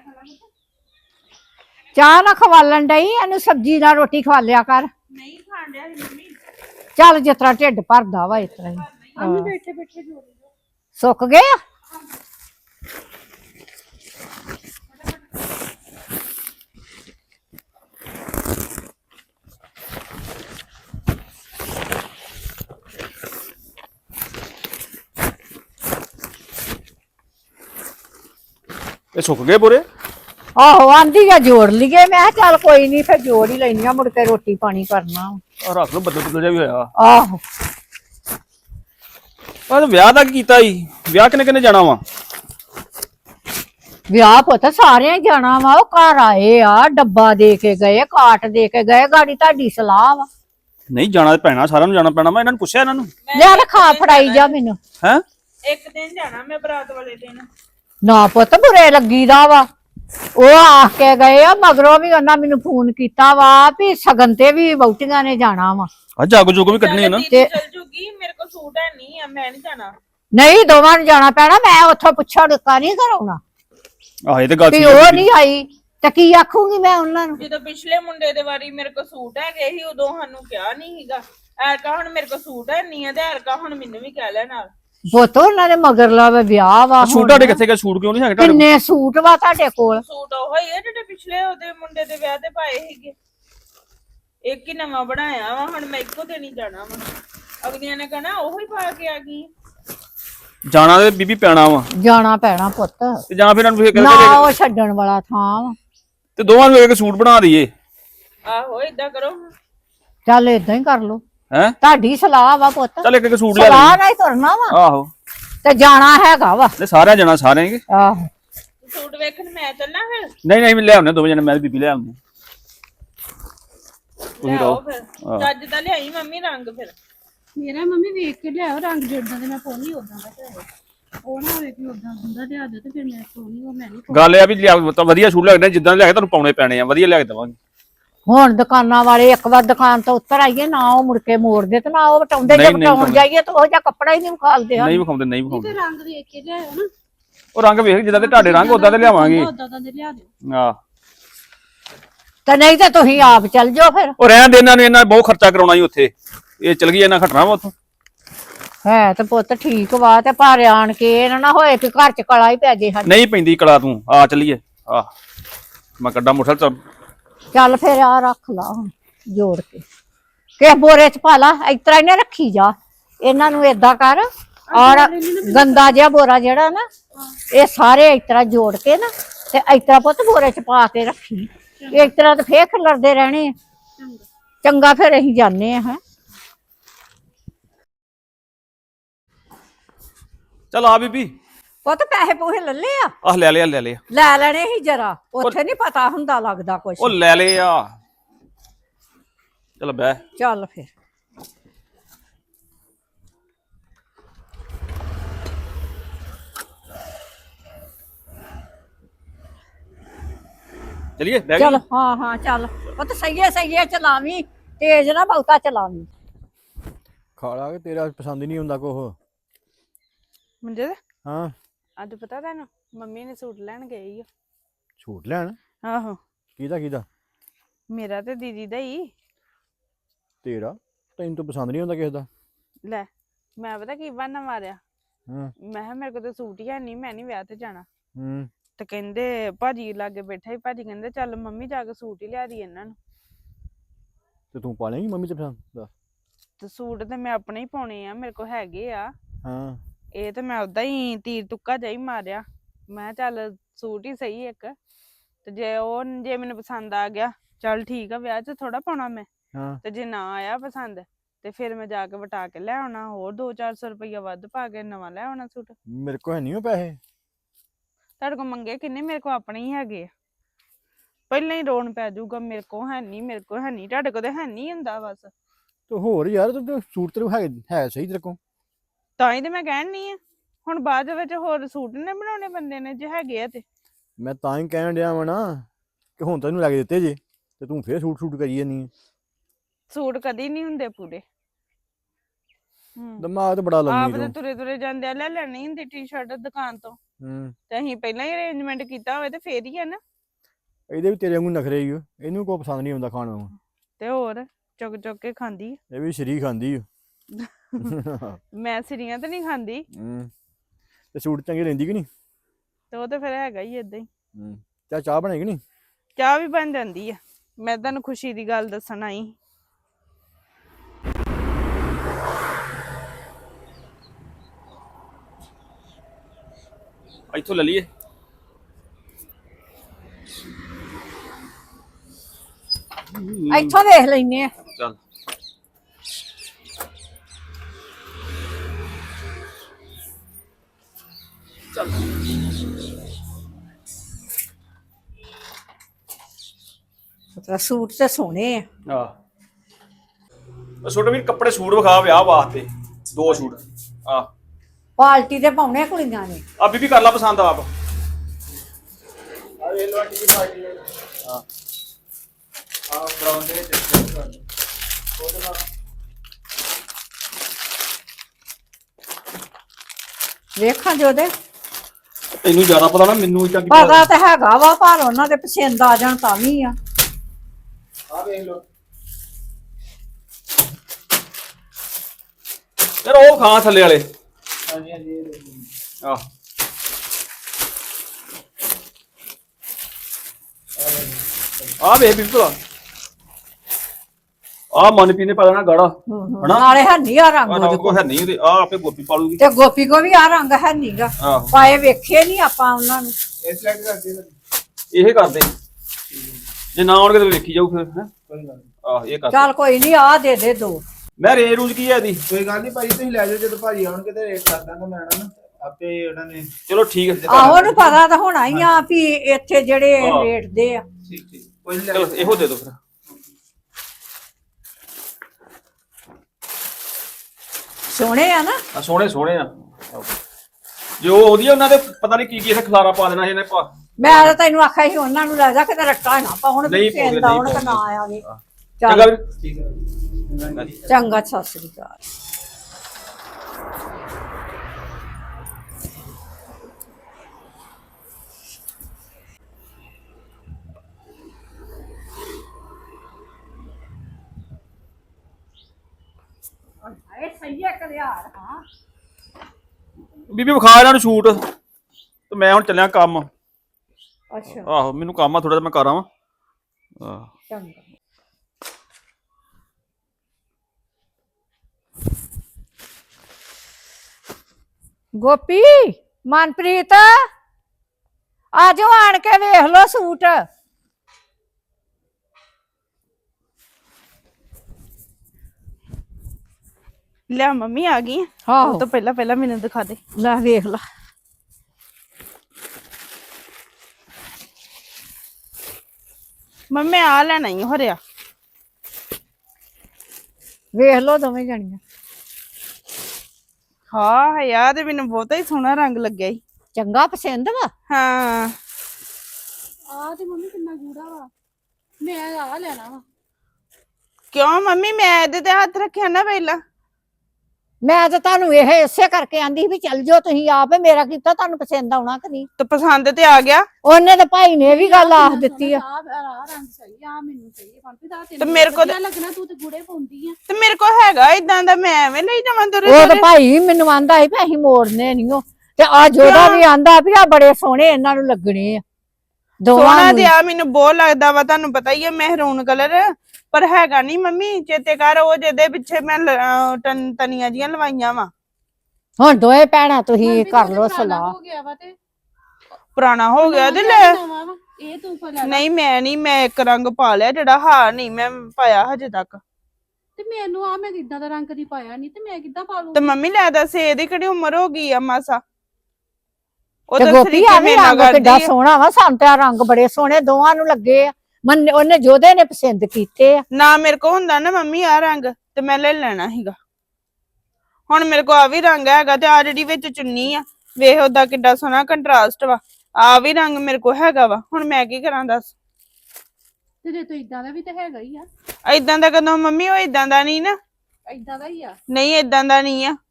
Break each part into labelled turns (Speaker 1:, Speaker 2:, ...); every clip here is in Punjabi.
Speaker 1: ਚਾਹ ਨਾ ਖਵਾਲਣ ਡਈ ਇਹਨੂੰ ਸਬਜ਼ੀ ਨਾਲ ਰੋਟੀ ਖਵਾ ਲਿਆ ਕਰ।
Speaker 2: ਨਹੀਂ ਖਾਣ ਡਿਆ ਸੀ ਮੰਮੀ।
Speaker 1: ਚੱਲ ਜਿਸ ਤਰ੍ਹਾਂ ਢਿੱਡ ਭਰਦਾ ਵਾ ਇਸ ਤਰ੍ਹਾਂ ਹੀ
Speaker 2: ਮੰਮੀ ਬੈਠੇ ਬੈਠੇ ਜੋੜ ਲਓ।
Speaker 1: ਸੁੱਕ ਗਏ ਆ।
Speaker 3: ਇਹ ਸੁੱਕ ਗਏ ਪੂਰੇ?
Speaker 1: ਆਹੋ ਆਂਦੀ ਆ ਜੋੜ ਲਈਏ। ਮੈਂ ਕਿਹਾ ਚੱਲ ਕੋਈ ਨਹੀਂ ਫਿਰ ਜੋੜ ਹੀ ਲੈਣੀ ਆ, ਮੁੜ ਕੇ ਰੋਟੀ ਪਾਣੀ ਕਰਨਾ।
Speaker 3: ਆ ਰੱਖ ਲੋ ਬੱਦਲ ਬੱਦਲ ਜਿਹਾ ਵੀ ਹੋਇਆ।
Speaker 1: ਆਹੋ
Speaker 3: ਪਰ ਵਿਆਹ ਦਾ ਕੀ ਕੀਤਾ ਜੀ? ਵਿਆਹ ਕਿਨੇ ਕਿਨੇ ਜਾਣਾ ਵਾ?
Speaker 1: ਵਿਆਹ ਪੁੱਤ ਸਾਰਿਆਂ ਹੀ ਜਾਣਾ ਵਾ। ਉਹ ਘਰ ਆਏ ਆ, ਡੱਬਾ ਦੇ ਕੇ ਗਏ, ਕਾਟ ਦੇ ਕੇ ਗਏ। ਗਾੜੀ ਤੁਹਾਡੀ ਸਲਾਹ ਵਾ।
Speaker 3: ਨਹੀਂ ਜਾਣਾ ਪੈਣਾ, ਸਾਰਿਆਂ ਨੂੰ ਜਾਣਾ ਪੈਣਾ। ਮੈਂ ਇਹਨਾਂ ਨੂੰ ਪੁੱਛਿਆ ਇਹਨਾਂ ਨੂੰ।
Speaker 1: ਲੈ ਰਖਾ ਫੜਾਈ ਜਾ ਮੈਨੂੰ।
Speaker 3: ਹੈ
Speaker 2: ਇੱਕ ਦਿਨ ਜਾਣਾ ਮੈਂ ਬਰਾਤ ਵਾਲੇ ਦਿਨ।
Speaker 1: ਨਾ ਪੁੱਤ ਬੁਰੇ ਲੱਗੀ ਦਾ ਵਾ। ਉਹ ਆ ਕੇ ਗਏ ਆ, ਮਗਰੋਂ ਵੀ ਉਹਨਾਂ ਮੈਨੂੰ ਫੋਨ ਕੀਤਾ ਵਾ ਵੀ ਸਗਨ ਤੇ ਵੀ ਵਹੁਟੀਆਂ ਨੇ ਜਾਣਾ ਵਾ।
Speaker 3: ਆ ਜਾਗੋ ਜੋਗੋ ਵੀ ਕੱਢਣੀ ਹੈ ਨਾ।
Speaker 2: ਦੀਦੀ ਚੱਲ ਜੂਗੀ, ਮੇਰੇ ਕੋਲ ਸੂਟ ਹੈ ਨਹੀਂ ਆ, ਮੈਂ ਨਹੀਂ ਜਾਣਾ।
Speaker 1: ਨਹੀਂ ਦੋਵਾਂ ਨੂੰ ਜਾਣਾ ਪੈਣਾ। ਮੈਂ ਉੱਥੋਂ ਪੁੱਛਾ ਡੁੱਕਾ ਨਹੀਂ ਕਰਾਉਣਾ
Speaker 3: ਆਹ ਇਹ ਤੇ ਗੱਲ
Speaker 1: ਵੀ ਉਹ ਨਹੀਂ ਆਈ ਤੇ ਕੀ ਆਖੂਗੀ ਮੈਂ ਉਹਨਾਂ ਨੂੰ।
Speaker 2: ਜਦੋਂ ਪਿਛਲੇ ਮੁੰਡੇ ਦੇ ਵਾਰੀ ਮੇਰੇ ਕੋਲ ਸੂਟ ਹੈਗੇ ਸੀ ਉਦੋਂ ਸਾਨੂੰ ਕਿਹਾ ਨਹੀਂ ਸੀਗਾ। ਐਰਕਾ ਹੁਣ ਮੇਰੇ ਕੋਲ ਸੂਟ ਹੈ ਨਹੀਂ ਆ ਤੇ ਐਰਕਾ ਹੁਣ ਮੈਨੂੰ ਵੀ ਕਹਿ ਲੈ ਨਾਲ।
Speaker 1: ਪੁੱਤ ਉਹਨਾਂ ਦੇ ਮਗਰਲਾ ਵਿਆਹ ਵਾ।
Speaker 3: ਸੂਟ ਤੁਹਾਡੇ ਕਿੱਥੇ ਗਏ? ਸੂਟ ਕਿਉਂ ਨਹੀਂ ਹੈਗੇ ਤੁਹਾਡੇ ਕੋਲ?
Speaker 1: ਕਿੰਨੇ ਸੂਟ ਵਾ ਤੁਹਾਡੇ ਕੋਲ?
Speaker 2: ਸੂਟ ਉਹ ਹੀ ਆ ਜਿਹੜੇ ਪਿਛਲੇ ਉਹਦੇ ਮੁੰਡੇ ਦੇ ਵਿਆਹ ਤੇ ਪਾਏ ਸੀਗੇ। ਇੱਕ ਹੀ ਨਵਾਂ ਬਣਾਇਆ ਵਾ, ਹੁਣ ਮੈਂ ਇੱਕੋ ਦਿਨ ਹੀ ਜਾਣਾ ਵਾ। ਅਗਲੀਆਂ ਨੇ ਕਹਣਾ ਉਹੀ ਪਾ ਕੇ ਆ ਗਈ।
Speaker 3: ਜਾਣਾ ਤੇ ਬੀਬੀ ਪੈਣਾ ਵਾ।
Speaker 1: ਜਾਣਾ ਪੈਣਾ ਪੁੱਤ।
Speaker 3: ਤੇ ਜਾਂ ਫਿਰ ਇਹਨਾਂ ਨੂੰ
Speaker 1: ਨਾ ਉਹ ਛੱਡਣ ਵਾਲਾ ਥਾਂ ਵਾ।
Speaker 3: ਤੇ ਦੋਵਾਂ ਨੂੰ ਇੱਕ ਸੂਟ ਬਣਾ ਦਈਏ।
Speaker 2: ਆਹੋ ਏਦਾਂ ਕਰੋ।
Speaker 1: ਚੱਲ ਏਦਾਂ ਹੀ ਕਰ ਲੋ।
Speaker 3: ਹੈ
Speaker 1: ਤੁਹਾਡੀ ਸਲਾਹ ਵਾ ਪੁੱਤ।
Speaker 3: ਚੱਲ ਇੱਕ ਸੂਟ ਲੈ
Speaker 1: ਸਲਾਹ ਨਾਲ ਹੀ ਤੁਰਨਾ ਵਾ
Speaker 3: ਆਹੋ
Speaker 1: ਤੇ ਜਾਣਾ ਹੈਗਾ ਵਾ।
Speaker 3: ਤੇ ਸਾਰਿਆਂ ਜਾਣਾ, ਸਾਰਿਆਂ ਹੀ।
Speaker 1: ਆਹੋ
Speaker 2: ਸੂਟ ਵੇਖਣ ਮੈਂ ਚੱਲਾਂ ਫਿਰ।
Speaker 3: ਨਹੀਂ ਨਹੀਂ ਲੈ ਆਉਣੇ ਦੋਵੇਂ ਜਣੇ, ਮੈਂ ਤੇ ਬੀਬੀ ਲੈ ਆਉਂਦੇ। ਤੁਸੀਂ
Speaker 2: ਲਿਆਓ
Speaker 3: ਰਹੋ।
Speaker 2: ਫਿਰ ਚੱਜ ਦਾ ਲਿਆਈ ਮੰਮੀ ਰੰਗ। ਫਿਰ
Speaker 4: ਮੇਰਾ ਮੰਮੀ ਵੇਖ ਕੇ ਲਿਆਓ ਰੰਗ ਜਿੱਦਾਂ ਦੇ ਮੈਂ ਪਾਉਣੀ ਉਦਾਂ ਦਾ ਤੇ ਉਹ ਨਾ ਹੋਵੇ ਕਿ ਉਦਾਂ ਹੁੰਦਾ ਲਿਆ ਦਿਓ ਤੇ ਫਿਰ ਮੈਂ ਪਾਉਣੀ ਉਹ ਮੈਂ ਨਹੀਂ
Speaker 3: ਗੱਲ ਇਹ ਆ ਵੀ ਲਿਆ ਤਾਂ ਵਧੀਆ ਸੂਟ ਲੱਗਦੇ, ਜਿੱਦਾਂ ਲਿਆ ਕੇ ਤੁਹਾਨੂੰ ਪਾਉਣੇ ਪੈਣੇ ਆ। ਵਧੀਆ ਲਿਆ ਕੇ ਦੇਵਾਂਗੇ।
Speaker 1: ਹੁਣ ਦੁਕਾਨਾਂ ਵਾਲੇ ਇੱਕ ਵਾਰ ਦੁਕਾਨ ਤੋਂ ਉੱਤਰ ਆਈਏ ਨਾ ਉਹ ਮੁੜ ਕੇ ਮੋੜਦੇ ਤੇ ਨਾ ਉਹ ਵਟਾਉਂਦੇ। ਜੇ
Speaker 3: ਨਹੀਂ, ਨਹੀਂ
Speaker 1: ਵਟਾਉਣ ਜਾਈਏ ਤਾਂ ਉਹ ਜਿਹਾ ਕੱਪੜਾ ਹੀ ਨਹੀਂ ਵਿਖਾਲਦੇ ਹਨ।
Speaker 3: ਨਹੀਂ ਵਿਖਾਉਂਦੇ, ਨਹੀਂ ਵਿਖਾਉਂਦੇ।
Speaker 4: ਤੇ ਰੰਗ ਵੇਖ ਕੇ ਲਿਆਓ ਨਾ।
Speaker 3: ਉਹ ਰੰਗ ਵੇਖ ਜਿੱਦਾਂ ਦੇ ਤੁਹਾਡੇ ਰੰਗ ਉਦਾਂ ਦੇ ਲਿਆਵਾਂਗੇ।
Speaker 4: ਉਦਾਂ ਦੇ ਲਿਆ ਦਿਓ।
Speaker 3: ਆਹ
Speaker 1: ਤੇ ਨਹੀਂ ਤੇ ਤੁਸੀਂ ਆਪ ਚੱਲ ਜਾਓ ਫਿਰ।
Speaker 3: ਉਹ ਰਹਿਣ ਦੇ, ਇਹਨਾਂ ਨੂੰ ਇਹਨਾਂ ਬਹੁਤ ਖਰਚਾ ਕਰਾਉਣਾ ਹੀ ਉੱਥੇ। ਇਹ ਚਲ ਗਈ, ਇਹਨਾਂ ਖਟਣਾ ਵਾ ਉੱਥੋਂ।
Speaker 1: ਹੈ ਤੇ ਪੁੱਤ ਠੀਕ ਵਾ ਤੇ ਪਰ ਆਣ ਕੇ ਇਹਨਾਂ ਨਾ ਹੋਏ ਕਿ ਘਰ ਚ ਕਲਾ ਹੀ ਪੈ ਜੇ ਹਨ।
Speaker 3: ਨਹੀਂ ਪੈਂਦੀ ਕਲਾ। ਤੂੰ ਆ ਚੱਲੀਏ। ਆ ਮੈਂ ਕੱਢਾ ਮੁੱਠਲ ਚੱਲ।
Speaker 1: ਚੱਲ ਫਿਰ ਆ ਰੱਖ ਲਾ ਹੁਣ ਜੋੜ ਕੇ ਕਿਸ ਬੋਰੇ ਚ ਪਾ ਲਾ। ਇਸ ਤਰ੍ਹਾਂ ਇਹਨੇ ਰੱਖੀ ਜਾ। ਇਹਨਾਂ ਨੂੰ ਏਦਾਂ ਕਰ ਔਰ ਗੰਦਾ ਜਿਹਾ ਬੋਰਾ ਜਿਹੜਾ ਨਾ ਇਹ ਸਾਰੇ ਇਸ ਤਰ੍ਹਾਂ ਜੋੜ ਕੇ ਨਾ ਤੇ ਇਸ ਤਰ੍ਹਾਂ ਪੁੱਤ ਬੋਰੇ ਚ ਪਾ ਕੇ ਰੱਖੀ। ਇਸ ਤਰ੍ਹਾਂ ਤੇ ਫੇਰ ਖਿਲਰਦੇ ਰਹਿਣੇ ਆ। ਚੰਗਾ ਫਿਰ ਅਸੀਂ ਜਾਂਦੇ ਆ। ਹੈ
Speaker 3: ਚੱਲ ਆ ਬੀਬੀ।
Speaker 1: ਪੁੱਤ ਪੈਸੇ ਪੂਹੇ ਲੈ ਲਏ ਆ।
Speaker 3: ਆਹ ਲੈ ਲਿਆ, ਲੈ ਲਿਆ।
Speaker 1: ਲੈ ਲੈਣੇ ਸੀ ਜਰਾ। ਉੱਥੇ ਨਹੀਂ ਪਤਾ ਹੁੰਦਾ ਲੱਗਦਾ ਕੁਛ।
Speaker 3: ਉਹ ਲੈ ਲਏ ਆ। ਚੱਲ ਬਹਿ।
Speaker 1: ਚੱਲ ਫਿਰ
Speaker 3: ਚਲਿਏ ਬਹਿ
Speaker 1: ਚੱਲ।
Speaker 3: ਗਏ।
Speaker 1: ਹਾਂ ਹਾਂ ਚੱਲ ਪੁੱਤ ਸਹੀਏ ਚਲਾਵੀਂ। ਤੇਜ਼ ਨਾ ਬਹੁਤਾ ਚਲਾਵੀਂ।
Speaker 5: ਖਾ ਲਾ ਕੇ ਤੇਰਾ ਪਸੰਦ ਹੀ ਨਹੀਂ ਹੁੰਦਾ ਕੁਛ।
Speaker 2: ਮੁੰਡੇ ਦੇ
Speaker 5: ਹਾਂ
Speaker 2: ਅੱਜ ਪਤਾ ਤੈਨੂੰ ਮੰਮੀ ਨੇ ਸੂਟ ਲੈਣ ਗਈ ਆ।
Speaker 5: ਛੂਟ ਲੈਣ?
Speaker 2: ਆਹੋ
Speaker 5: ਕਿਹਦਾ?
Speaker 2: ਮੇਰਾ ਤੇ ਦੀਦੀ ਦਾ ਹੀ।
Speaker 5: ਤੇਰਾ? ਤੈਨੂੰ ਤਾਂ ਪਸੰਦ ਨਹੀਂ ਹੁੰਦਾ ਕਿਸੇ ਦਾ।
Speaker 2: ਲੈ ਮੈਂ ਪਤਾ ਕੀ ਬਹਾਨਾ ਮਾਰਿਆ।
Speaker 5: ਹਾਂ
Speaker 2: ਮੈਂ ਕਿਹਾ ਮੇਰੇ ਕੋਲ ਤਾਂ ਸੂਟ ਹੀ ਹੈ ਨਹੀਂ, ਮੈਂ ਨਹੀਂ ਵਿਆਹ ਤੇ ਜਾਣਾ।
Speaker 5: ਹੂੰ
Speaker 2: ਤੇ ਕਹਿੰਦੇ ਭਾਜੀ ਲਾਗੇ ਬੈਠਾ ਹੀ, ਭਾਜੀ ਕਹਿੰਦੇ ਚੱਲ ਮੰਮੀ ਜਾ ਕੇ ਸੂਟ ਹੀ ਲਿਆ ਦੀ ਇਹਨਾਂ ਨੂੰ।
Speaker 5: ਤੇ ਤੂੰ ਪਾ ਲੇਂਗੀ ਮੰਮੀ ਤੇ ਪਸੰਦ ਦਾ?
Speaker 2: ਤੇ ਸੂਟ ਤੇ ਮੈਂ ਆਪਣੇ ਹੀ ਪਾਉਣੇ ਆ, ਮੇਰੇ ਕੋਲ ਹੈਗੇ ਆ।
Speaker 5: ਹਾਂ
Speaker 2: ਇਹ ਤੇ ਮੈਂ ਉਦਾਂ ਹੀ ਤੀਰ ਤੁੱਕਾ ਜਿਹਾ ਹੀ ਮਾਰਿਆ। ਮੈਂ ਚੱਲ ਸੂਟ ਹੀ ਸਹੀ ਇੱਕ। ਤੇ ਜੇ ਮੈਨੂੰ ਪਸੰਦ ਆ ਗਿਆ ਚੱਲ ਠੀਕ ਆ, ਵਿਆਹ 'ਚ ਥੋੜਾ ਪਾਉਣਾ ਮੈਂ।
Speaker 5: ਹਾਂ
Speaker 2: ਤੇ ਜੇ ਨਾ ਆਇਆ ਪਸੰਦ ਤੇ ਫਿਰ ਮੈਂ ਜਾ ਕੇ ਵਟਾ ਕੇ ਲੈ ਆਉਣਾ, ਹੋਰ 200-400 ਰੁਪਈਆ ਵੱਧ ਪਾ ਕੇ ਨਵਾਂ ਲੈ ਆਉਣਾ ਸੂਟ।
Speaker 5: ਮੇਰੇ ਕੋਲ ਹੈ ਨਹੀਂ ਉਹ ਪੈਸੇ।
Speaker 2: ਤੁਹਾਡੇ ਕੋਲ ਮੰਗੇ ਕਿੰਨੇ? ਮੇਰੇ ਕੋਲ ਆਪਣੇ ਹੀ ਹੈਗੇ ਆ। ਪਹਿਲਾਂ ਹੀ ਰੋਣ ਪੈ ਜਾਊਗਾ ਮੇਰੇ ਕੋਲ ਹੈ ਨਹੀਂ, ਤੁਹਾਡੇ ਕੋਲ ਤਾਂ ਹੈ ਨਹੀਂ ਹੁੰਦਾ ਬਸ।
Speaker 5: ਤੇ ਹੋਰ ਯਾਰ ਤੂੰ ਸੂਟ ਤੇ ਹੈ ਸਹੀ ਤੇਰੇ ਕੋਲ।
Speaker 2: ਤਾਂ ਹੀ ਤੇ ਮੈਂ ਕਹਿਣ ਨਹੀਂ ਆ। ਹੁਣ ਬਾਅਦ ਵਿੱਚ ਹੋਰ ਸੂਟ ਨੇ ਬਣਾਉਣੇ ਬੰਦੇ ਨੇ ਜੇ ਹੈਗੇ ਆ ਤੇ।
Speaker 5: ਮੈਂ ਤਾਂ ਹੀ ਕਹਿਣ ਡਿਆ ਵਾ ਨਾ ਕਿ ਹੁਣ ਤੈਨੂੰ ਲੱਗ ਦਿੱਤੇ ਜੇ ਤੇ ਤੂੰ ਫੇਰ ਸੂਟ ਕਰੀ ਜਾਨੀ।
Speaker 2: ਸੂਟ ਕਦੀ ਨਹੀਂ ਹੁੰਦੇ ਪੂਰੇ।
Speaker 5: ਦਿਮਾਗ ਤੇ ਬੜਾ
Speaker 2: ਆਪ
Speaker 5: ਲੰਮੀ
Speaker 2: ਤੇ
Speaker 5: ਤੂੰ।
Speaker 2: ਤੁਰੇ ਤੁਰੇ ਜਾਂਦੇ ਆ ਲੈ ਲੈਣੀ ਹੁੰਦੀ ਟੀ-ਸ਼ਰਟ ਦੁਕਾਨ ਤੋਂ
Speaker 5: ਹੂੰ
Speaker 2: ਤੇ ਅਸੀਂ ਪਹਿਲਾਂ ਹੀ ਅਰੇਂਜਮੈਂਟ ਕੀਤਾ ਹੋਵੇ ਤੇ ਫੇਰ ਹੀ ਆ ਨਾ।
Speaker 5: ਇਹਦੇ ਵੀ ਤੇਰੇ ਵਾਂਗੂ ਨਖਰੇ ਹੀ ਓ। ਇਹਨੂੰ ਕੋਈ ਪਸੰਦ ਨਹੀਂ ਆਉਂਦਾ ਖਾਣ ਨੂੰ।
Speaker 2: ਤੇ ਹੋਰ ਚੁੱਕ ਚੁੱਕ ਕੇ ਖਾਂਦੀ ਆ।
Speaker 5: ਇਹ ਵੀ ਸ਼ਰੀ ਖਾਂਦੀ ਓ।
Speaker 2: ਮੈਂ ਸਿਰੀਆਂ ਤੇ ਨਹੀਂ ਖਾਂਦੀ
Speaker 5: ਹੂੰ ਤੇ ਸੂਟ ਚੰਗੇ ਲੈਂਦੀ ਕਿ ਨਹੀਂ?
Speaker 2: ਤੇ ਉਹ ਤੇ ਫਿਰ ਹੈਗਾ ਹੀ ਏਦਾਂ ਹੀ।
Speaker 5: ਹੂੰ ਚਾਹ ਬਣੇਗੀ ਨਹੀਂ?
Speaker 2: ਚਾਹ ਵੀ ਬਣ ਜਾਂਦੀ ਆ। ਮੈਂ ਤੁਹਾਨੂੰ ਖੁਸ਼ੀ ਦੀ ਗੱਲ ਦੱਸਣ ਆਈ।
Speaker 3: ਇੱਥੋਂ ਲੈ ਲਈਏ।
Speaker 1: ਇੱਥੋਂ ਵੇਖ ਲੈਨੇ ਆ।
Speaker 3: ਚੱਲ ਚੱਲ
Speaker 1: ਸੂਟ ਤੇ ਸੋਹਣੇ ਆ।
Speaker 3: ਛੋਟੇ ਵੀਰ ਕੱਪੜੇ ਸੂਟ ਵਿਖਾ ਵਿਆਹ ਵਾਸਤੇ 2 ਸੂਟ।
Speaker 1: ਪਾਰਟੀ ਤੇ ਪਾਉਣੇ ਕੁੜੀਆਂ ਨੇ।
Speaker 3: ਆ ਬੀਬੀ ਕਰ ਲਾ ਪਸੰਦ ਆਪ।
Speaker 5: ਆ ਵੇਖ ਲੋ ਆਂਟੀ ਦੀ ਪਾਰਟੀ ਹੈ।
Speaker 3: ਹਾਂ
Speaker 5: ਆ ਬਰਾਊਨ ਦੇ ਵਿੱਚ
Speaker 1: ਵੇਖਾਂ ਜੋਦੇ
Speaker 3: ਤੈਨੂੰ ਜ਼ਿਆਦਾ ਪਤਾ ਨਾ, ਮੈਨੂੰ ਚੰਗੀ
Speaker 1: ਪਤਾ ਤਾਂ ਹੈਗਾ ਵਾ ਪਰ ਉਹਨਾਂ ਦੇ ਪਸੰਦ ਆ ਜਾਣ ਤਾਂ ਵੀ ਆ।
Speaker 5: ਆ ਵੇਖ ਲੋ।
Speaker 3: ਯਾਰ ਉਹ ਖਾਂ ਥੱਲੇ ਵਾਲੇ।
Speaker 5: ਹਾਂਜੀ ਹਾਂਜੀ
Speaker 3: ਆਹ ਆ ਵੇਖ ਬਿਲਕੁਲ ਆ ਮਨਪੀ ਨੇ ਪਾ ਲੈਣਾ ਗਾੜਾ ਹਨਾ।
Speaker 1: ਨਾਲੇ ਹੈ ਨਹੀਂ ਆ ਰੰਗ
Speaker 3: ਆ
Speaker 1: ਉਹਦੇ
Speaker 3: ਕੋ ਹੈ ਨਹੀਂ ਤੇ ਆ ਆਪੇ ਗੋਪੀ ਪਾਲੂਗੀ।
Speaker 1: ਤੇ ਗੋਪੀ ਕੋ ਵੀ ਆ ਰੰਗ ਹੈ ਨਹੀਂਗਾ।
Speaker 3: ਆਹੋ
Speaker 1: ਪਾਏ ਵੇਖੇ ਨਹੀਂ ਆਪਾਂ ਉਹਨਾਂ ਨੂੰ।
Speaker 5: ਇਹ ਸਿਲੈਕਟ ਕਰ ਦੇ।
Speaker 3: ਇਹ ਕਰਦੇ ਜੇ ਨਾ ਆਉਣਗੇ ਤਾਂ ਵੇਖੀ ਜਾਊ ਫਿਰ ਹੈ।
Speaker 5: ਕੋਈ ਗੱਲ ਨਹੀਂ।
Speaker 3: ਆਹ ਇਹ ਕਰ
Speaker 1: ਚੱਲ ਕੋਈ ਨਹੀਂ ਆ ਦੇ ਦੇ 2।
Speaker 3: ਮੈਂ ਰੇਂਜ ਰੂਜ ਕੀ ਹੈ ਇਹਦੀ?
Speaker 5: ਕੋਈ ਗੱਲ ਨਹੀਂ ਭਾਜੀ, ਤੁਸੀਂ ਲੈ ਜਾਓ ਜਦੋਂ ਭਾਜੀ ਆਉਣਗੇ ਤੇ ਰੇਟ ਕਰ ਦਾਂਗਾ ਮੈਂ ਨਾ ਆਪੇ ਉਹਨਾਂ ਨੇ।
Speaker 3: ਚਲੋ ਠੀਕ ਹੈ।
Speaker 1: ਆਹੋ ਉਹਨੂੰ ਪਤਾ ਤਾਂ ਹੋਣਾ ਹੀ ਆ ਵੀ ਇੱਥੇ ਜਿਹੜੇ ਰੇਟ ਦੇ ਆ।
Speaker 5: ਠੀਕ ਠੀਕ ਕੋਈ ਨਹੀਂ।
Speaker 3: ਚਲੋ ਇਹੋ ਦੇ ਦਿਓ ਫਿਰ।
Speaker 1: ਸੋਹਣੇ ਆ ਨਾ।
Speaker 3: ਆ ਸੋਹਣੇ ਸੋਹਣੇ ਆ। ਜੋ ਉਹਦੀ ਉਹਨਾਂ ਦੇ ਪਤਾ ਨਹੀਂ ਕੀ ਇੱਥੇ ਖਲਾਰਾ ਪਾ ਦੇਣਾ ਇਹਨੇ ਪਾ।
Speaker 1: ਮੈਂ ਤਾਂ ਤੈਨੂੰ ਆਖਿਆ ਸੀ ਉਹਨਾਂ ਨੂੰ ਲੈ ਜਾ ਕਿਤੇ ਰੱਟਾ ਨਾ ਪਾਉਣ
Speaker 3: ਨਹੀਂ
Speaker 1: ਵੀ
Speaker 3: ਪਾਉਂਦੇ,
Speaker 1: ਪਸੰਦ ਆਉਣ
Speaker 3: ਨਹੀਂ
Speaker 1: ਕਿ ਨਾ
Speaker 3: ਪਾਉਂਦੇ।
Speaker 1: ਆਵੇ।
Speaker 3: ਚੰਗਾ
Speaker 1: ਚੱਲ
Speaker 3: ਵੀਰ।
Speaker 5: ਠੀਕ ਹੈ।
Speaker 1: ਚੰਗਾ ਸਤਿ ਸ੍ਰੀ ਅਕਾਲ। ਇਹ ਸਹੀ ਹੈ ਕਰਿਆਰ। ਹਾਂ
Speaker 3: ਬੀਬੀ ਵਿਖਾ ਇਹਨਾਂ ਨੂੰ ਸ਼ੂਟ ਤੇ ਮੈਂ ਹੁਣ ਚੱਲਿਆ ਕੰਮ।
Speaker 1: ਅੱਛਾ
Speaker 3: ਆਹੋ ਮੈਨੂੰ ਕੰਮ ਆ ਥੋੜਾ ਜਿਹਾ, ਮੈਂ ਕਰ ਆਵਾਂ। ਆਹ
Speaker 1: ਚੰਗਾ। ਗੋਪੀ ਮਨਪ੍ਰੀਤ ਆਜੋ ਆਣ ਕੇ ਵੇਖ ਲੋ ਸੂਟ।
Speaker 2: ਲਿਆ ਮੰਮੀ ਆ ਗਈ।
Speaker 1: ਹਾਂ
Speaker 2: ਉਹ ਤੋਂ ਪਹਿਲਾਂ ਮੈਨੂੰ ਦਿਖਾ ਦੇ।
Speaker 1: ਲੈ ਵੇਖ ਲਾ।
Speaker 2: ਮੰਮੀ ਆ ਲੈਣਾ ਹੀ ਹੋ ਰਿਹਾ।
Speaker 1: ਵੇਖ ਲੋ ਦੋਵੇਂ ਜਣੀਆਂ।
Speaker 2: ਹਾਂ ਯਾਰ ਤੇ ਮੈਨੂੰ ਬਹੁਤਾ ਹੀ ਸੋਹਣਾ ਰੰਗ ਲੱਗਿਆ ਈ।
Speaker 1: ਚੰਗਾ ਪਸੰਦ ਵਾ।
Speaker 2: ਹਾਂ
Speaker 4: ਆ ਤੇ ਮੰਮੀ ਕਿੰਨਾ ਗੂੜਾ ਵਾ। ਮੈਂ ਆ ਲੈਣਾ ਵਾ।
Speaker 2: ਕਿਉਂ ਮੰਮੀ ਮੈਂ ਇਹਦੇ ਤੇ ਹੱਥ ਰੱਖਿਆ ਨਾ ਪਹਿਲਾਂ।
Speaker 1: ਮੈਂ ਤਾਂ ਤੁਹਾਨੂੰ ਇਹ ਇਸੇ ਕਰਕੇ ਆਂਦੀ ਵੀ ਚੱਲ ਜਾਓ ਤੁਸੀਂ ਆਪ। ਮੇਰਾ ਕੀਤਾ ਤੁਹਾਨੂੰ ਪਸੰਦ ਆਉਣਾ ਕਿ ਨਹੀਂ।
Speaker 2: ਤੇ ਪਸੰਦ ਤੇ ਆ ਗਿਆ।
Speaker 1: ਉਹਨੇ ਤੇ ਭਾਈ ਨੇ ਇਹ ਵੀ ਗੱਲ ਆਖ ਦਿੱਤੀ ਆ।
Speaker 4: ਆ ਰੰਗ ਸਹੀ ਆ ਮੈਨੂੰ ਸਹੀ ਹੈ ਮਨਪ੍ਰੀਤ। ਆ
Speaker 2: ਤੇ ਮੇਰੇ ਕੋਲ
Speaker 4: ਵਧੀਆ ਲੱਗਣਾ ਤੂੰ ਤੇ ਗੂੜੇ ਪਾਉਂਦੀ ਆ।
Speaker 2: ਤੇ ਮੇਰੇ ਕੋਲ ਹੈਗਾ ਇਦਾਂ ਦਾ, ਮੈਂ ਐਵੇਂ ਲਈ ਜਾਵਾਂ ਤੁਰੇ
Speaker 1: ਉਹ ਤਾਂ
Speaker 2: ਤੁਰੇ।
Speaker 1: ਭਾਈ ਮੈਨੂੰ ਆਂਦਾ ਸੀ ਵੀ ਅਸੀਂ ਮੋੜਨੇ ਨਹੀਂ ਉਹ। ਤੇ ਆ ਜੋਦਾ ਵੀ ਆਂਦਾ ਵੀ ਆ ਬੜੇ ਸੋਹਣੇ ਇਹਨਾਂ ਨੂੰ ਲੱਗਣੇ ਆ ਦੋਵਾਂ
Speaker 2: ਸੋਹਣਾ
Speaker 1: ਨੂੰ।
Speaker 2: ਤੇ ਆ ਮੈਨੂੰ ਬਹੁਤ ਲੱਗਦਾ ਵਾ, ਤੁਹਾਨੂੰ ਪਤਾ ਹੀ ਹੈ ਮਹਿਰੂਨ ਕਲਰ। ਪਰ ਹੈਗਾ ਨਹੀਂ ਮੰਮੀ, ਚੇਤੇ ਕਰ ਉਹ ਜਿਹਦੇ ਪਿੱਛੇ ਮੈਂ ਤਨੀਆਂ ਜੀਆਂ ਲਵਾਈਆਂ ਵਾ।
Speaker 1: ਹੁਣ ਦੋਏ ਭੈਣਾਂ ਤੁਸੀਂ
Speaker 4: ਮਨਪ੍ਰੀਤ
Speaker 1: ਕਰ
Speaker 4: ਉਹਦੇ
Speaker 1: ਲੋ
Speaker 4: ਪੁਰਾਣਾ
Speaker 1: ਸਲਾਹ।
Speaker 4: ਹੋ ਗਿਆ ਵਾ ਤੇ
Speaker 2: ਪੁਰਾਣਾ ਹੋ ਗਿਆ ਤੇ ਲੈ।
Speaker 4: ਨਵਾਂ ਵਾ। ਇਹ ਤੂੰ ਪਾ ਲੈ।
Speaker 2: ਨਹੀਂ ਮੈਂ ਇੱਕ ਰੰਗ ਪਾ ਲਿਆ ਜਿਹੜਾ ਹਾਰ ਨਹੀਂ ਮੈਂ ਪਾਇਆ ਹਜੇ ਤੱਕ।
Speaker 4: ਤੇ ਮੈਨੂੰ ਆ ਮੈਂ ਇਦਾਂ ਦਾ ਰੰਗ ਕਦੀ ਪਾਇਆ ਨਹੀਂ ਤੇ ਮੈਂ ਕਿੱਦਾਂ ਪਾ ਲੂੰ।
Speaker 2: ਤੇ ਮੰਮੀ ਲੈ ਦੱਸ ਇਹਦੀ ਕਿਹੜੀ ਉਮਰ ਹੋ ਗਈ ਆ ਮਾਸਾ। ਉਹ
Speaker 1: ਤੇ
Speaker 2: ਤਾਂ
Speaker 1: ਗੋਪੀ
Speaker 2: ਸਰੀਕੇ
Speaker 1: ਆ ਵੀ
Speaker 2: ਮੇਰੇ ਨਾਲ
Speaker 1: ਰੰਗ ਕਿੱਡਾ
Speaker 2: ਕਰਦੀ ਆ।
Speaker 1: ਸੋਹਣਾ ਵਾ। ਸਾਨੂੰ ਤੇ ਆਹ ਰੰਗ ਬੜੇ ਸੋਹਣੇ ਦੋਵਾਂ ਨੂੰ ਲੱਗੇ ਆ। ਉਹਨੇ ਜੋਦੇ ਨੇ ਪਸੰਦ ਕੀਤੇ ਆ।
Speaker 2: ਨਾ ਮੇਰੇ ਕੋ ਹੁੰਦਾ ਨਾ ਮੰਮੀ ਆ ਰੰਗ ਤੇ ਮੈਂ ਲੈ ਲੈਣਾ ਸੀਗਾ। ਹੁਣ ਮੇਰੇ ਕੋ ਆ ਵੀ ਰੰਗ ਹੈਗਾ ਤੇ ਆ ਜਿਹੜੀ ਵਿੱਚ ਚੁੰਨੀ ਆ ਵੇਖ ਉਹਦਾ ਕਿੱਡਾ ਸੋਹਣਾ ਕੰਟਰਾਸਟ ਵਾ। ਆ ਵੀ ਰੰਗ ਮੇਰੇ ਕੋ ਹੈਗਾ ਵਾ, ਹੁਣ ਮੈਂ ਕੀ ਕਰਾਂ ਦੱਸ।
Speaker 4: ਤੇ ਜੇ ਤੂੰ ਇਦਾਂ ਦਾ ਵੀ ਤੇ ਹੈਗਾ ਹੀ ਆ।
Speaker 2: ਏਦਾਂ ਦਾ ਕਦੋਂ ਮੰਮੀ, ਉਹ ਏਦਾਂ ਦਾ ਨਹੀਂ ਨਾ।
Speaker 4: ਏਦਾਂ ਦਾ ਹੀ ਆ,
Speaker 2: ਨਹੀਂ ਇਦਾਂ ਦਾ ਨਹੀਂ ਆ।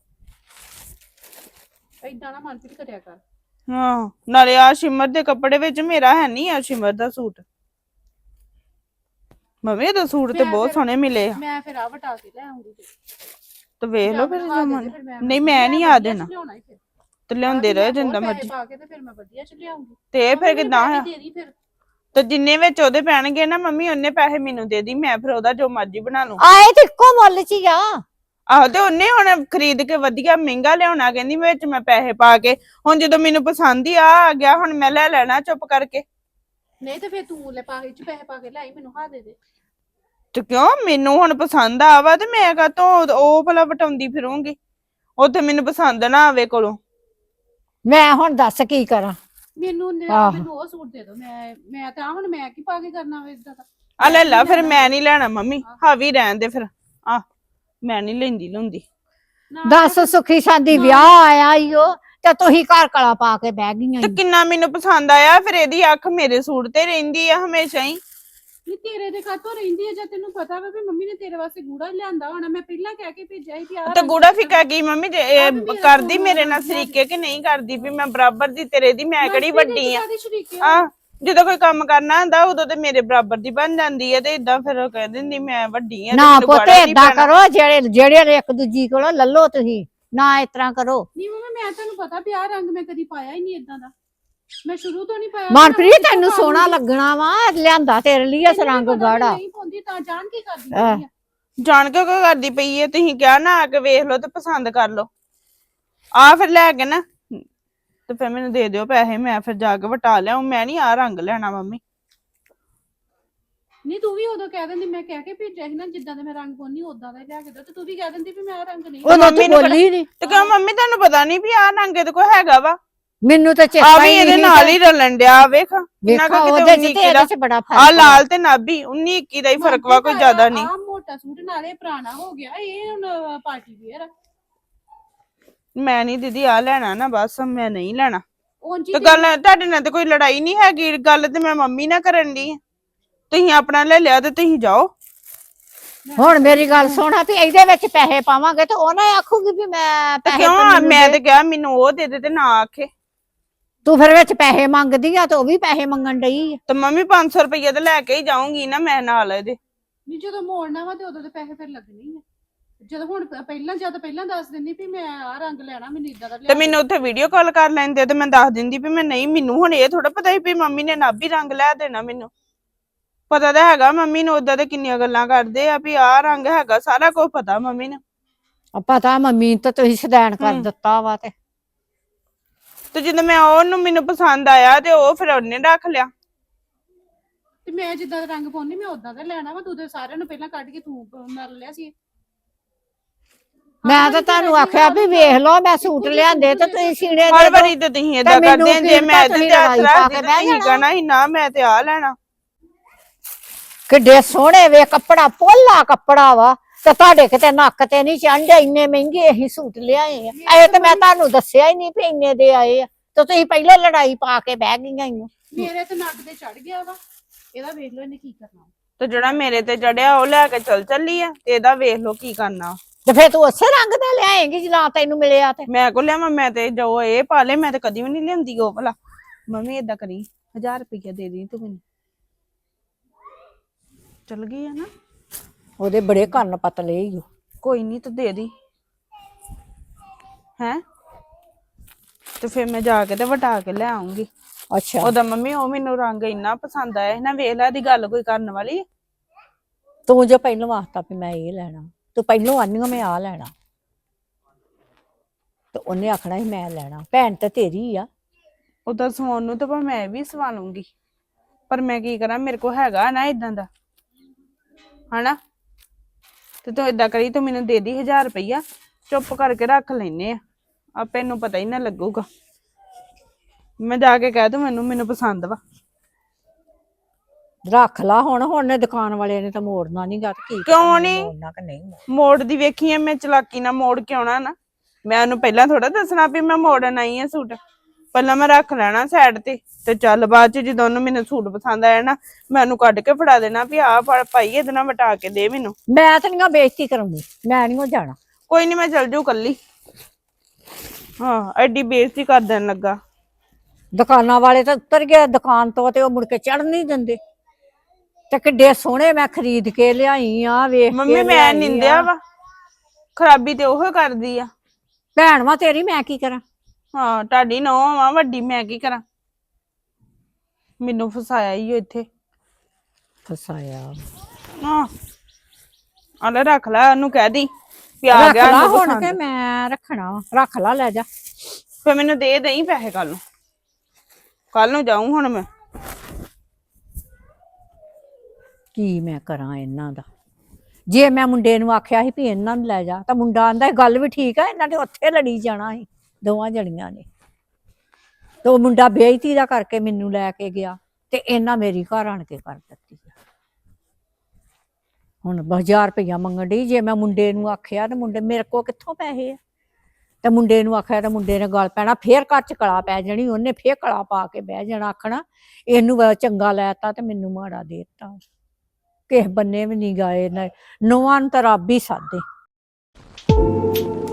Speaker 4: ਏਦਾਂ ਨਾ ਮਨਪ੍ਰੀਤ ਕਰਿਆ ਕਰ।
Speaker 2: ਹਾਂ ਨਾਲੇ ਆ ਸ਼ਿਮਰ ਦੇ ਕੱਪੜੇ ਵਿੱਚ ਮੇਰਾ ਹੈ ਨਹੀਂ ਆ ਸ਼ਿਮਰ ਦਾ ਸੂਟ। ਮੰਮੀ ਇਹਦਾ ਸੂਟ ਤੇ
Speaker 4: ਮੈਂ
Speaker 2: ਬਹੁਤ
Speaker 4: ਫਿਰ-
Speaker 2: ਸੋਹਣੇ ਮਿਲੇ ਆ।
Speaker 4: ਮੈਂ ਫਿਰ ਆ ਵਟਾ ਕੇ ਲੈ ਆਉਂਗੀ
Speaker 2: ਤੇ ਵੇਖ ਲਓ ਫਿਰ
Speaker 4: ਲਿਆ
Speaker 2: ਜਮਨ।
Speaker 4: ਦੇ ਫਿਰ
Speaker 2: ਨਹੀਂ ਮੈਂ ਨਹੀਂ ਆ ਦੇਣਾ
Speaker 4: ਲਿਆਉਣਾ ਹੀ ਫਿਰ
Speaker 2: ਤੇ ਲਿਆਉਂਦੇ ਰਹੇ ਜਿੰਦਾ
Speaker 4: ਪੈਸੇ
Speaker 2: ਮਰਜ਼ੀ।
Speaker 4: ਪਾ ਕੇ ਤੇ ਫਿਰ ਮੈਂ ਵਧੀਆ ਚ ਲਿਆਉਂਗੀ।
Speaker 2: ਤੇ ਇਹ ਫਿਰ ਕਿਦਾਂ ਆ?
Speaker 4: ਦੇ ਦੀ ਫਿਰ।
Speaker 2: ਤੇ ਜਿੰਨੇ ਵਿੱਚ ਉਹਦੇ ਪੈਣਗੇ ਨਾ ਮੰਮੀ ਉਹਨੇ ਪੈਸੇ ਮੈਨੂੰ ਦੇ ਦੀ, ਮੈਂ ਫਿਰ ਉਹਦਾ ਜੋ ਮਰਜ਼ੀ ਬਣਾ ਲੂੰ।
Speaker 1: ਆਏ ਤੇ ਇੱਕੋ ਮੁੱਲ ਚ ਹੀ ਆ।
Speaker 2: ਆਹੋ ਤੇ ਉਹਨੇ ਹੁਣ ਖਰੀਦ ਕੇ ਵਧੀਆ ਮਹਿੰਗਾ ਲਿਆਉਣਾ, ਕਹਿੰਦੀ ਵਿੱਚ ਮੈਂ ਪੈਸੇ ਪਾ ਕੇ। ਹੁਣ ਜਦੋਂ ਮੈਨੂੰ ਪਸੰਦ ਹੀ ਆ ਗਿਆ ਹੁਣ ਮੈਂ ਲੈ ਲੈਣਾ ਚੁੱਪ ਕਰਕੇ।
Speaker 4: ਨਹੀਂ ਤੇ ਫਿਰ ਤੂੰ ਲੈ ਪਾ ਕੇ ਚ ਪੈਸੇ ਪਾ ਕੇ ਲਿਆਈ, ਮੈਨੂੰ ਹਾਂ ਦੇ ਦੇ।
Speaker 2: ਤੇ ਕਿਉਂ ਮੈਨੂੰ ਹੁਣ ਪਸੰਦ ਆਵਾ ਤੇ ਮੈਂ ਕਾਹਤੋਂ ਉਹ ਭਲਾ ਵਟਾਉਂਦੀ ਫਿਰੂੰਗੀ, ਉੱਥੇ ਮੈਨੂੰ ਪਸੰਦ ਨਾ ਆਵੇ ਕੋਲੋਂ।
Speaker 1: ਮੈਂ ਹੁਣ ਦੱਸ ਕੀ ਕਰਾਂ।
Speaker 4: ਮੈਨੂੰ
Speaker 1: ਆਹੋ।
Speaker 4: ਮੈਨੂੰ ਉਹ ਸੂਟ ਦੇ ਦੋ। ਮੈਂ ਤਾਂ ਹੁਣ ਮੈਂ ਕੀ ਪਾ ਕੇ ਕਰਨਾ ਵੇ ਇਦਾਂ ਦਾ।
Speaker 2: ਆ ਲੈ ਲਾ ਫਿਰ, ਮੈਂ ਨਹੀਂ ਲੈਣਾ ਮੰਮੀ, ਹਾਵੀ ਰਹਿਣ ਦੇ ਫਿਰ। ਆ ਮੈਂ ਨਹੀਂ ਲੈਂਦੀ ਲੁੰਦੀ।
Speaker 1: ਦੱਸ ਸੁਖੀ ਸਾਂਦੀ ਵਿਆਹ ਆਇਆ ਈ ਓ ਤੇ ਤੁਸੀਂ ਘਰ ਕਲਾ ਪਾ ਕੇ ਬਹਿ ਗਈਆਂ
Speaker 2: ਤੇ
Speaker 1: ਈ।
Speaker 2: ਕਿੰਨਾ ਮੈਨੂੰ ਪਸੰਦ ਆਇਆ, ਫਿਰ ਇਹਦੀ ਅੱਖ ਮੇਰੇ ਸੂਟ ਤੇ ਰਹਿੰਦੀ ਆ ਹਮੇਸ਼ਾ ਹੀ।
Speaker 4: ਨਹੀਂ ਤੇਰੇ ਦੇ ਕਾਤੋਂ ਰਹਿੰਦੀ ਹੈ ਜਾਂ ਤੈਨੂੰ ਪਤਾ ਵਾ ਵੀ ਮੰਮੀ ਨੇ ਤੇਰੇ ਵਾਸਤੇ ਗੂੜਾ ਲਿਆਂਦਾ ਹੋਣਾ। ਮੈਂ ਪਹਿਲਾਂ ਕਹਿ ਕੇ ਭੇਜਿਆ ਸੀ ਵੀ ਆਹ
Speaker 2: ਤੇ
Speaker 4: ਰੰਗ
Speaker 2: ਗੂੜਾ ਫਿੱਕਾ ਕੀ ਮੰਮੀ ਜੇ ਇਹ
Speaker 4: ਮੇਰਾ
Speaker 2: ਕਰਦੀ
Speaker 4: ਸੂਟ
Speaker 2: ਮੇਰੇ ਨਾਲ
Speaker 4: ਵਧੀਆ
Speaker 2: ਸਰੀਕੇ ਕਿ ਨਹੀਂ ਕਰਦੀ ਵੀ ਮੈਂ ਬਰਾਬਰ ਦੀ ਤੇਰੇ ਦੀ, ਮੈਂ ਕਿਹੜੀ ਵੱਡੀ ਆ।
Speaker 4: ਕਾਹਦੀ ਸ਼ਰੀਕੇ
Speaker 2: ਆ ਜਦੋਂ ਕੋਈ ਕੰਮ ਕਰਨਾ ਹੁੰਦਾ ਉਦੋਂ ਤੇ ਮੇਰੇ ਬਰਾਬਰ ਦੀ ਬਣ ਜਾਂਦੀ ਹੈ, ਤੇ ਇਦਾਂ ਫਿਰ ਉਹ ਕਹਿ ਦਿੰਦੀ ਮੈਂ ਵੱਡੀ ਆ ਤੇ
Speaker 1: ਨਾ
Speaker 2: ਮੈਨੂੰ
Speaker 1: ਪੁੱਤ
Speaker 2: ਗਾੜਾ ਨੀ
Speaker 1: ਏਦਾਂ
Speaker 2: ਪੈਣਾ।
Speaker 1: ਕਰੋ, ਜਿਹੜੇ ਇੱਕ ਦੂਜੀ ਕੋਲੋਂ ਲੱਲੋ ਤੁਸੀਂ, ਨਾ ਇਸ ਤਰ੍ਹਾਂ ਕਰੋ।
Speaker 4: ਨਹੀਂ ਮੰਮੀ ਮੈਂ ਤੁਹਾਨੂੰ ਪਤਾ ਵੀ ਆਹ ਰੰਗ ਮੈਂ ਕਦੀ ਪਾਇਆ ਹੀ ਨਹੀਂ ਇਦਾਂ ਦਾ। ਮੈਂ ਸ਼ੁਰੂ ਤੋਂ ਨਹੀਂ ਪਾਇਆ।
Speaker 1: ਮਨਪ੍ਰੀਤ ਤੈਨੂੰ ਸੋਹਣਾ ਲੱਗਣਾ ਵਾ, ਲਿਆਂਦਾ ਤੇਰੇ ਲਈ ਇਸ ਰੰਗ ਗਾੜਾ।
Speaker 4: ਨਹੀਂ ਪਾਉਂਦੀ ਤਾਂ ਜਾਣ ਕੀ ਕਰਦੀ ਪਈ ਆ।
Speaker 2: ਜਾਣ ਕੇ ਕਿਉਂ ਕਰਦੀ ਪਈ ਹੈ? ਤੁਸੀਂ ਕਿਹਾ ਨਾ ਆ ਕੇ ਵੇਖ ਲਓ ਤੇ ਪਸੰਦ ਕਰ ਲਓ। ਆ ਫਿਰ ਲੈ ਕੇ ਨਾ ਤੇ ਫਿਰ ਮੈਨੂੰ ਦੇ ਦਿਓ ਪੈਸੇ, ਮੈਂ ਫਿਰ ਜਾ ਕੇ ਵਟਾ ਲਿਆਉਂ। ਮੈਂ ਨਹੀਂ ਆ ਰੰਗ ਲੈਣਾ ਮੰਮੀ।
Speaker 4: ਨਹੀਂ ਤੂੰ ਵੀ ਉਦੋਂ ਕਹਿ ਦਿੰਦੀ, ਮੈਂ ਕਹਿ ਕੇ ਭੇਜਿਆ ਸੀ ਨਾ ਜਿੱਦਾਂ ਦੇ ਮੈਂ ਰੰਗ ਪਾਉਣੀ ਉਦਾਂ ਦਾ ਲਿਆ ਕੇ ਦੋ, ਤੇ ਤੂੰ ਵੀ ਕਹਿ ਦਿੰਦੀ ਵੀ ਮੈਂ ਆਹ ਰੰਗ ਨਹੀਂ।
Speaker 1: ਉਦੋਂ
Speaker 2: ਮੰਮੀ
Speaker 1: ਤੂੰ
Speaker 2: ਨੂੰ
Speaker 1: ਬੋਲੀ ਨਹੀਂ।
Speaker 2: ਤੇ ਕਿਉਂ ਮੰਮੀ ਤੁਹਾਨੂੰ ਪਤਾ ਨਹੀਂ ਵੀ ਆ ਰੰਗ ਇਹਦੇ ਕੋਲ ਹੈਗਾ ਵਾ?
Speaker 1: ਮੈਨੂੰ ਤਾਂ
Speaker 2: ਆ
Speaker 1: ਚੇਤਾ
Speaker 2: ਵੀ
Speaker 1: ਹੀ
Speaker 2: ਇਹਦੇ
Speaker 1: ਨਹੀਂ।
Speaker 2: ਨਾਲ ਹੀ ਰਲਣ ਡਿਆ, ਵੇਖ
Speaker 1: ਵੇਖਾ
Speaker 2: ਕਿੰਨਾ ਕੁ
Speaker 1: ਉਹਦੇ
Speaker 2: ਕਿਤੇ
Speaker 1: ਚ
Speaker 2: 19
Speaker 1: ਤੇ
Speaker 2: ਦਾ।
Speaker 1: ਇਹਦੇ ਚ ਬੜਾ
Speaker 2: ਆ
Speaker 1: ਫਰਕ
Speaker 2: ਲਾਲ ਤੇ ਨਾਭੀ 19 21 ਦਾ ਹੀ ਫਰਕ ਵਾ, ਕੋਈ ਜ਼ਿਆਦਾ ਨਹੀਂ।
Speaker 4: ਆ ਮੋਟਾ ਸੂਟ ਨਾਲੇ ਪੁਰਾਣਾ ਹੋ ਗਿਆ, ਇਹ ਹੁਣ ਪਾਰਟੀ ਵੇਅਰ ਆ।
Speaker 2: ਮੈਂ ਨਹੀਂ ਦੀਦੀ ਆ ਲੈਣਾ ਨਾ, ਬਸ ਮੈਂ ਨਹੀਂ ਲੈਣਾ।
Speaker 4: ਉਂਝ
Speaker 2: ਤੇ ਗੱਲ ਤੁਹਾਡੇ ਨਾਲ ਤੇ ਕੋਈ ਲੜਾਈ ਨਹੀਂ ਹੈਗੀ, ਗੱਲ ਤੇ ਮੈਂ ਮੰਮੀ ਨਾਲ ਕਰਨ ਦੀ। ਤੁਸੀਂ ਆਪਣਾ ਲੈ ਲਿਆ ਤੇ ਤੁਸੀਂ ਜਾਓ।
Speaker 1: ਹੁਣ ਮੇਰੀ ਗੱਲ ਸੁਣਾ ਵੀ ਇਹਦੇ ਵਿੱਚ ਪੈਸੇ ਪਾਵਾਂਗੇ ਤੇ ਉਹ ਨਾ ਆਖੂਗੀ ਵੀ ਮੈਂ
Speaker 2: ਤੇ
Speaker 1: ਪੈਸੇ
Speaker 2: ਕਿਉਂ
Speaker 1: ਤਾਂ ਮੈਨੂੰ
Speaker 2: ਮੈਂ
Speaker 1: ਦੇ।
Speaker 2: ਤੇ ਕਿਹਾ ਮੈਨੂੰ ਉਹ ਦੇ ਦੇ ਤੇ ਨਾ ਆਖੇ।
Speaker 1: ਤੂੰ ਫਿਰ ਵਿੱਚ ਪੈਸੇ ਮੰਗਦੀ ਆ ਤੇ ਉਹ ਵੀ ਪੈਸੇ ਮੰਗਣ ਡਈ ਆ।
Speaker 2: ਤੇ ਮੰਮੀ 500 ਰੁਪਏ ਤੇ ਲੈ ਕੇ ਹੀ ਜਾਊਂਗੀ ਨਾ ਮੈਂ ਨਾਲ ਇਹਦੇ।
Speaker 4: ਨਹੀਂ ਜਦੋਂ ਮੋੜਨਾ ਵਾ ਤੇ ਉਦੋਂ ਤੇ ਪੈਸੇ ਫਿਰ ਲੱਗਣੇ ਹੀ ਆ। ਜਦੋਂ ਹੁਣ ਪਹਿਲਾਂ ਦੱਸ ਦਿੰਦੀ ਵੀ ਮੈਂ ਆਹ ਰੰਗ ਲੈਣਾ, ਮੈਨੂੰ ਇਦਾਂ ਦਾ
Speaker 2: ਤੇ
Speaker 4: ਲਿਆ।
Speaker 2: ਮੈਨੂੰ ਉੱਥੇ ਵੀਡੀਓ ਕਾਲ ਕਰ ਲੈਂਦੇ ਤੇ ਮੈਂ ਦੱਸ ਦਿੰਦੀ ਵੀ ਮੈਂ ਨਹੀਂ, ਮੈਨੂੰ ਹੁਣ ਇਹ ਥੋੜਾ ਪਤਾ ਸੀ ਵੀ ਮੰਮੀ ਨੇ ਨਾਭੀ ਰੰਗ ਲੈ ਦੇਣਾ। ਮੈਨੂੰ ਪਤਾ ਤਾਂ ਹੈਗਾ ਮੰਮੀ ਨੂੰ, ਉਦਾਂ ਤੇ ਕਿੰਨੀਆਂ ਗੱਲਾਂ ਕਰਦੇ ਆ ਵੀ ਆਹ ਰੰਗ ਹੈਗਾ, ਸਾਰਾ ਕੁਝ ਪਤਾ ਮੰਮੀ ਨੂੰ।
Speaker 1: ਪਤਾ ਮੰਮੀ ਤਾਂ ਤੁਸੀਂ ਸਦੈਣ ਕਰ ਦਿੱਤਾ ਵਾ
Speaker 2: ਤੇ ਜਦੋਂ ਮੈਂ ਉਹਨੂੰ ਮੈਨੂੰ ਪਸੰਦ ਆਇਆ ਤੇ ਉਹ ਫਿਰ ਉਹਨੇ ਰੱਖ ਲਿਆ।
Speaker 4: ਤੇ ਮੈਂ ਜਿੱਦਾਂ ਦਾ ਰੰਗ ਪਾਉਣੀ ਮੈਂ ਉਦਾਂ ਦਾ ਲੈਣਾ ਵਾ। ਤੂੰ ਤੇ ਸਾਰਿਆਂ ਨੂੰ ਪਹਿਲਾਂ ਕੱਢ ਕੇ ਤੂੰ ਮਰ ਲਿਆ ਸੀ।
Speaker 1: ਮੈਂ ਤਾਂ ਤੁਹਾਨੂੰ ਆਖਿਆ ਵੀ ਵੇਖ ਲਓ, ਮੈਂ ਸੂਟ ਲਿਆਂਦੇ ਤੇ ਤੁਸੀਂ ਸੀੜੇ
Speaker 2: ਹਰ
Speaker 1: ਦੇ
Speaker 2: ਵਾਰੀ ਤੇ ਤੁਸੀਂ ਏਦਾਂ
Speaker 1: ਮੈਨੂੰ
Speaker 2: ਕਰਦੇ ਜੇ
Speaker 1: ਕੀ
Speaker 2: ਮੈਂ
Speaker 1: ਪਤਾ
Speaker 2: ਇਹਦੇ
Speaker 1: ਤੁਸੀਂ
Speaker 2: ਤੇ ਹੱਥ
Speaker 1: ਲੜਾਈ ਪਾ
Speaker 2: ਰੱਖਦੀ
Speaker 1: ਕੇ
Speaker 2: ਤੇ
Speaker 1: ਬਹਿ
Speaker 2: ਤੁਸੀਂ
Speaker 1: ਜਾਣਾ।
Speaker 2: ਕਹਿਣਾ ਸੀ ਨਾ ਮੈਂ ਤੇ ਆ ਲੈਣਾ।
Speaker 1: ਕਿੱਡੇ ਸੋਹਣੇ ਵੇ ਕੱਪੜਾ, ਪੋਲਾ ਕੱਪੜਾ ਵਾ ਤੇ ਤੁਹਾਡੇ ਕਿਤੇ ਨੱਕ ਤੇ ਨਹੀਂ ਚੜ੍ਹਦੇ, ਇੰਨੇ ਮਹਿੰਗੇ ਅਸੀਂ ਸੂਟ ਲਿਆਏ ਆ। ਇਹ ਤੇ ਮੈਂ ਤੁਹਾਨੂੰ ਦੱਸਿਆ ਹੀ ਨਹੀਂ ਵੀ ਇੰਨੇ ਦੇ ਆਏ ਆ ਤੇ ਤੁਸੀਂ ਪਹਿਲਾਂ ਲੜਾਈ ਪਾ ਕੇ ਬਹਿ ਗਈਆਂ ਈ ਓ।
Speaker 4: ਮੇਰੇ ਤੇ ਨੱਕ ਤੇ ਚੜ ਗਿਆ ਵਾ। ਇਹਦਾ ਵੇਖ ਲਓ ਇਹਨੇ ਕੀ ਕਰਨਾ।
Speaker 2: ਤੇ ਜਿਹੜਾ ਮੇਰੇ ਤੇ ਚੜਿਆ ਉਹ ਲੈ ਕੇ ਚੱਲੀ ਆ, ਤੇ ਇਹਦਾ ਵੇਖ ਲਓ ਕੀ ਕਰਨਾ।
Speaker 1: ਤੇ ਫੇਰ ਤੂੰ ਉਸੇ ਰੰਗ ਦਾ ਲਿਆਏਂਗੀ ਜਿਲਾ ਤੈਨੂੰ ਮਿਲਿਆ ਤੇ।
Speaker 2: ਮੈਂ ਕੋ ਲਿਆਵਾਂ, ਮੈਂ ਤੇ ਜੋ ਇਹ ਪਾ ਲੇ, ਮੈਂ ਤੇ ਕਦੀ ਵੀ ਨਹੀਂ ਲਿਆਂਦੀ ਉਹ ਭਲਾ। ਮੰਮੀ ਏਦਾਂ ਕਰੀ 1000 ਰੁਪਇਆ ਦੇ ਦੀ ਤੂੰ ਮੈਨੂੰ। ਚਲ ਗਈ ਆ ਨਾ,
Speaker 1: ਉਹਦੇ ਬੜੇ ਕੰਨ ਪਤਲੇ ਈ ਓ।
Speaker 2: ਕੋਈ ਨਹੀਂ ਤੂੰ ਦੇ ਦੀ ਹੈ। ਤੇ ਫਿਰ ਮੈਂ ਜਾ ਕੇ ਤੇ ਵਟਾ ਕੇ ਲੈ ਆਉਂਗੀ।
Speaker 1: ਅੱਛਾ
Speaker 2: ਉਹਦਾ ਮੰਮੀ ਉਹ ਮੈਨੂੰ ਰੰਗ ਇੰਨਾ ਪਸੰਦ ਆਇਆ ਨਾ, ਵੇਖ ਲੈ ਦੀ ਗੱਲ ਕੋਈ ਕਰਨ ਵਾਲੀ।
Speaker 1: ਤੂੰ ਜੋ ਪਹਿਲਾਂ ਵਾਸਤਾ ਵੀ ਮੈਂ ਇਹ ਲੈਣਾ, ਤੂੰ ਪਹਿਲਾਂ ਆਨੀਓ ਮੈਂ ਆ ਲੈਣਾ ਤੇ ਉਹਨੇ ਆਖਣਾ ਸੀ ਮੈਂ ਲੈਣਾ। ਭੈਣ ਤੇ ਤੇਰੀ ਆ।
Speaker 2: ਉਦਾਂ ਸਵਾਉਣ ਨੂੰ ਤਾਂ ਮੈਂ ਵੀ ਸਵਾ ਲੂੰਗੀ, ਪਰ ਮੈਂ ਕੀ ਕਰਾਂ, ਮੇਰੇ ਕੋਲ ਹੈਗਾ ਨਾ ਇਦਾਂ ਦਾ ਹਨਾ। ਤੇ ਤੂੰ ਏਦਾਂ ਕਰੀ, ਤੂੰ ਮੈਨੂੰ ਦੇ ਦੀ 1000 ਰੁਪਇਆ, ਚੁੱਪ ਕਰਕੇ ਰੱਖ ਲੈਨੇ ਆ, ਆਪੇ ਨੂੰ ਪਤਾ ਹੀ ਨਾ ਲੱਗੂਗਾ। ਮੈਂ ਜਾ ਕੇ ਕਹਿ ਦੂੰ ਮੈਨੂੰ ਪਸੰਦ ਵਾ।
Speaker 1: ਰੱਖ ਲਾ ਹੁਣ ਨੇ ਦੁਕਾਨ ਵਾਲੇ ਨੇ ਤਾਂ ਮੋੜਨਾ ਨੀ ਗਾ ਤੇ ਕੀ
Speaker 2: ਕਿਉਂ ਨੀ?
Speaker 1: ਮੋੜਨਾ ਕਿ ਨਹੀਂ ਮੋੜਨਾ।
Speaker 2: ਮੋੜ ਦੀ ਵੇਖੀ ਐ ਮੈਂ ਚਲਾਕੀ ਨਾਲ ਮੋੜ ਕੇ ਆਉਣਾ ਨਾ। ਮੈਂ ਉਹਨੂੰ ਪਹਿਲਾਂ ਥੋੜਾ ਦੱਸਣਾ ਵੀ ਮੈਂ ਮੋੜਨ ਆਈ ਆ ਸੂਟ। ਪਹਿਲਾਂ ਮੈਂ ਰੱਖ ਲੈਣਾ ਸਾਈਡ ਤੇ ਚੱਲ ਬਾਅਦ ਚ ਜਦੋਂ ਉਹਨੂੰ ਮੈਨੂੰ ਸੂਟ ਪਸੰਦ ਆਇਆ ਨਾ ਮੈਂ ਉਹਨੂੰ ਕੱਢ ਕੇ ਫੜਾ ਦੇਣਾ ਵੀ ਆਹ ਫੜ ਭਾਈ ਇਹਦੇ ਨਾਲ ਵਟਾ ਕੇ ਦੇ ਮੈਨੂੰ।
Speaker 1: ਮੈਂ ਤਾਂ ਨਹੀਂ ਬੇਇੱਜ਼ਤੀ ਕਰਾਂਗੀ, ਮੈਂ ਨਹੀਂ ਜਾਣਾ।
Speaker 2: ਕੋਈ ਨਹੀਂ ਮੈਂ ਚੱਲ ਜੂ ਕੱਲੀ। ਹਾਂ ਐਡੀ ਬੇਇੱਜ਼ਤੀ ਕਰ ਦੇਣ ਲੱਗਾ।
Speaker 1: ਦੁਕਾਨਾਂ ਵਾਲੇ ਤਾਂ ਉਤਰ ਗਏ ਦੁਕਾਨ ਤੋਂ ਤੇ ਉਹ ਮੁੜ ਕੇ ਚੜ੍ਹ ਨਹੀਂ ਦਿੰਦੇ। ਤੇ ਕਿੱਡੇ ਸੋਹਣੇ ਮੈਂ ਖਰੀਦ ਕੇ ਲਿਆਈ ਆ, ਵੇਖ ਕੇ
Speaker 2: ਮੰਮੀ ਮੈਂ
Speaker 1: ਲਿਆਈ
Speaker 2: ਨਿੰਦਿਆ
Speaker 1: ਆ।
Speaker 2: ਵਾ, ਖਰਾਬੀ ਤੇ ਉਹ ਕਰਦੀ ਆ।
Speaker 1: ਭੈਣ ਵਾ ਤੇਰੀ, ਮੈਂ ਕੀ ਕਰਾਂ?
Speaker 2: ਹਾਂ ਤੁਹਾਡੀ ਨੌਂ ਵਾ ਵੱਡੀ, ਮੈਂ ਕੀ ਕਰਾਂ? ਮੈਨੂੰ ਫਸਾਇਆ ਹੀ ਇੱਥੇ।
Speaker 1: ਫਸਾਇਆ
Speaker 2: ਹਾਂ ਆਲੇ ਰੱਖ ਲੈ, ਉਹਨੂੰ ਕਹਿ ਦੀ ਵੀ ਆ
Speaker 1: ਰੱਖ
Speaker 2: ਗਿਆ
Speaker 1: ਲਾ
Speaker 2: ਇਹਨੂੰ
Speaker 1: ਹੁਣ
Speaker 2: ਪਸੰਦ।
Speaker 1: ਕੇ ਮੈਂ ਰੱਖਣਾ ਵਾ, ਰੱਖ ਲਾ, ਲੈ ਜਾ।
Speaker 2: ਫੇ ਮੈਨੂੰ ਦੇ ਦੇਈ ਪੈਸੇ ਕੱਲ ਨੂੰ ਜਾਊਂ ਹੁਣ ਮੈਂ।
Speaker 1: ਕੀ ਮੈਂ ਕਰਾਂ ਇਹਨਾਂ ਦਾ? ਜੇ ਮੈਂ ਮੁੰਡੇ ਨੂੰ ਆਖਿਆ ਸੀ ਵੀ ਇਹਨਾਂ ਨੂੰ ਲੈ ਜਾ ਤਾਂ ਮੁੰਡਾ ਆਂਦਾ ਗੱਲ ਵੀ ਠੀਕ ਆ, ਇਹਨਾਂ ਨੇ ਉੱਥੇ ਲੜੀ ਜਾਣਾ ਸੀ ਦੋਵਾਂ ਜਣੀਆਂ ਨੇ। ਤੇ ਉਹ ਮੁੰਡਾ ਬੇਇੱਜ਼ਤੀ ਦਾ ਕਰਕੇ ਮੈਨੂੰ ਲੈ ਕੇ ਗਿਆ ਤੇ ਇਹਨਾਂ ਮੇਰੀ ਘਰ ਆਣ ਕੇ ਕਰ ਦਿੱਤੀ। ਹੁਣ 1000 ਰੁਪਇਆ ਮੰਗਣ ਡਈ। ਜੇ ਮੈਂ ਮੁੰਡੇ ਨੂੰ ਆਖਿਆ ਤੇ ਮੁੰਡੇ ਮੇਰੇ ਕੋਲ ਕਿੱਥੋਂ ਪੈਸੇ ਆ? ਤੇ ਮੁੰਡੇ ਨੂੰ ਆਖਿਆ ਤੇ ਮੁੰਡੇ ਨੇ ਗੱਲ ਪੈਣਾ, ਫੇਰ ਘਰ ਚ ਕਲਾ ਪੈ ਜਾਣੀ, ਉਹਨੇ ਫੇਰ ਕਲਾ ਪਾ ਕੇ ਬਹਿ ਜਾਣਾ, ਆਖਣਾ ਇਹਨੂੰ ਚੰਗਾ ਲੈਤਾ ਤੇ ਮੈਨੂੰ ਮਾੜਾ ਦੇਤਾ। ਕਿਸੇ ਬੰਨੇ ਵੀ ਨਹੀਂ ਗਏ, ਨੌਵਾਂ ਨੂੰ ਤਾਂ ਰੱਬ ਹੀ ਸਾਦੇ।